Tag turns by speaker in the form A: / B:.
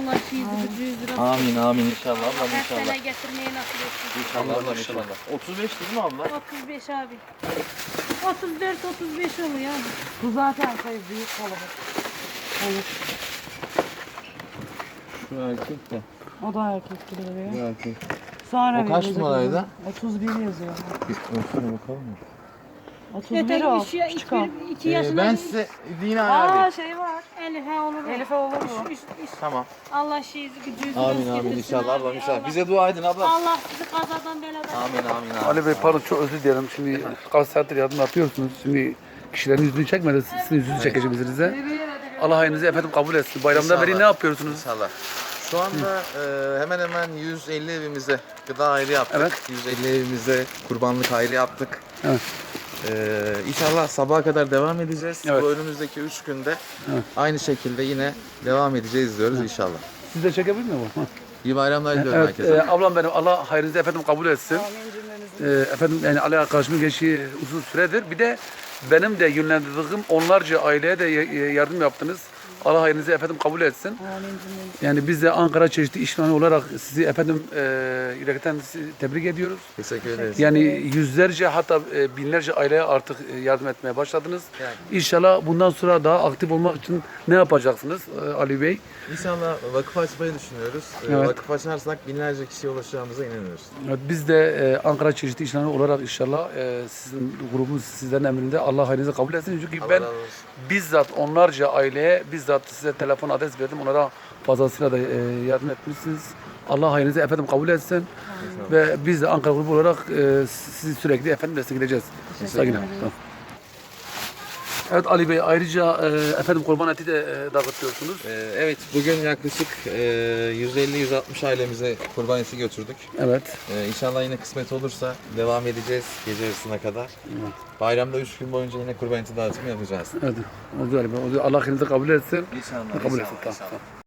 A: Allah şeyizi gücünüzü razı
B: Amin amin inşallah ablam
A: Her
B: inşallah.
A: sene getirmeyi nasip etsin.
B: İnşallah ablam inşallah. 35 değil mi abla?
A: 35 abi. 34-35 oluyor abi.
C: Bu zaten büyük kalabalık. Evet.
B: Şu erkek de.
C: O da erkek gibi
B: Bu
C: duruyor.
B: erkek.
C: Sonra
B: O kaç
C: verecek
B: numaraydı?
C: onu. 31 yazıyor.
B: Bir ölçüne bakalım mı?
C: 31 o.
A: Yeter
C: Küçük o.
A: 2 yaşında
B: Ben size yine abi.
C: Aa şey var.
A: Elif'e olur.
C: Elif'e olur mu?
B: Tamam.
A: Allah şeyizi gücünüzü
B: Amin
A: razı
B: amin
A: getirsin
B: inşallah
A: abi.
B: ablam inşallah.
A: Allah-
B: Bize dua edin abla.
A: Allah sizi kazadan beladan.
B: Amin amin amin.
D: Ali Bey pardon çok özür dilerim. Şimdi kaç saattir yardım yapıyorsunuz. Şimdi kişilerin yüzünü çekmedi. Sizin yüzünüzü çekeceğim size. Allah hayırınızı efendim kabul etsin. Bayramdan beri
B: İnşallah.
D: ne yapıyorsunuz?
B: İnşallah. Şu anda hemen hemen 150 evimize gıda ayrı yaptık.
D: Evet.
B: 150 evimize kurbanlık ayrı yaptık.
D: Evet.
B: İnşallah sabaha kadar devam edeceğiz.
D: Evet.
B: Bu önümüzdeki 3 günde
D: Evet.
B: aynı şekilde yine devam edeceğiz diyoruz inşallah.
D: Siz de çekebilir mi bu?
B: İyi bayramlar diliyorum
D: Evet,
B: herkese.
D: ablam benim Allah hayırınızı efendim kabul etsin. Efendim yani Ali arkadaşımın geçtiği uzun süredir. Bir de benim de yönlendirdiğim onlarca aileye de yardım yaptınız. Allah hayırınızı efendim kabul etsin. Yani biz de Ankara Çeşitli İşhane olarak sizi efendim yürekten sizi tebrik ediyoruz.
B: Teşekkür ederiz.
D: Yani yüzlerce hatta binlerce aileye artık yardım etmeye başladınız.
B: Yani.
D: İnşallah bundan sonra daha aktif olmak için ne yapacaksınız Ali Bey?
B: İnşallah vakıf açmayı düşünüyoruz.
D: Evet.
B: Vakıf açarsak binlerce kişiye ulaşacağımıza inanıyoruz.
D: Evet, biz de Ankara Çeşitli İşhane olarak inşallah sizin grubunuz sizlerin emrinde Allah hayrınızı kabul etsin. Çünkü
B: Allah
D: ben
B: razı olsun.
D: bizzat onlarca aileye bizzat size telefon adres verdim. Onlara fazlasıyla da yardım etmişsiniz. Allah hayrınızı efendim kabul etsin. Ve biz de Ankara grubu olarak sizi sürekli efendim destekleyeceğiz. Saygılar. Tamam. Evet Ali Bey ayrıca efendim kurban eti de dağıtıyorsunuz.
B: Evet bugün yaklaşık 150-160 ailemize kurban eti götürdük.
D: Evet.
B: İnşallah yine kısmet olursa devam edeceğiz gece yarısına kadar. Bayramda 3 gün boyunca yine kurban eti dağıtımı yapacağız.
D: Evet. Oldu Ali Bey. Allah hayrınızı kabul etsin.
B: İnşallah.
D: Kabul etsin. Tamam.